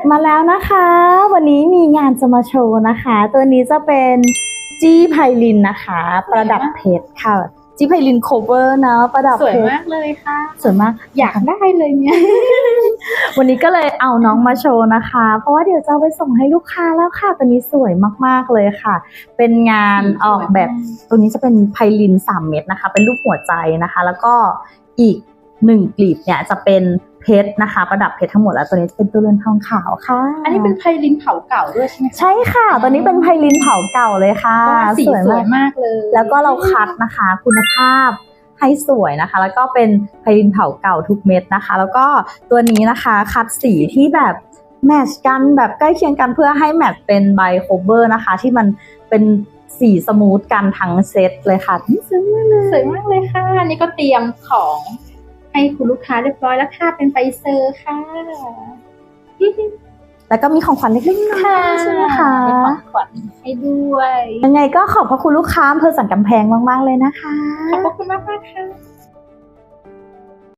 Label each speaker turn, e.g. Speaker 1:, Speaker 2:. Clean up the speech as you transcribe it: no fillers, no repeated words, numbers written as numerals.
Speaker 1: มาแล้วนะคะวันนี้มีงานจะมาโชว์นะคะตัวนี้จะเป็นจี้ไพลินนะคะประดับเพชรค่ะจี้ไพลินโคเวอร์นะประดับเพชร
Speaker 2: สวยมากเลยค่ะ
Speaker 1: สวยมาก
Speaker 2: อยากได้เลยเนี่ย
Speaker 1: วันนี้ก็เลยเอาน้องมาโชว์นะคะเพราะว่าเดี๋ยวจะเอาไปส่งให้ลูกค้าแล้วค่ะตัวนี้สวยมากๆเลยค่ะเป็นงานออกแบบตัวนี้จะเป็นไพลิน3 เม็ดนะคะเป็นรูปหัวใจนะคะแล้วก็อีก1 กลีบเนี่ยจะเป็นเพชรนะคะประดับเพชรทั้งหมดแล้วตัวนี้จะเป็นตัวเรือนทองขาวค่ะ
Speaker 2: อันนี้เป็นไพลินเผาเก่าด้วยใช่ไหมคะ
Speaker 1: ใช่ค่ะตัวนี้เป็นไพลินเผาเก่าเลยค่ะ
Speaker 2: สีสวยมากเลย
Speaker 1: แล้วก็เราคัดนะคะคุณภาพให้สวยนะคะแล้วก็เป็นไพลินเผาเก่าทุกเม็ดนะคะแล้วก็ตัวนี้นะคะคัดสีที่แบบแมทช์กันแบบใกล้เคียงกันเพื่อให้แมทช์เป็นใบโคเวอร์นะคะที่มันเป็นสีสมูทกันทั้งเซตเลยค่ะ
Speaker 2: สวยมากเลยค่ะนี่ก็เตรียมของให้คุณลูกค้าเรียบร้อยแล้วค่ะเป็นไฟเซอร์ค่ะ
Speaker 1: แล้วก็มีของขวัญเล็กๆน้อยๆใช่ไหมคะ
Speaker 2: มีของขวัญให้ด้วย
Speaker 1: ยังไงก็ขอบพระคุณลูกค้าอำเภอสันกำแพงมากๆเลยนะคะ
Speaker 2: ขอบคุณมากๆค่ะ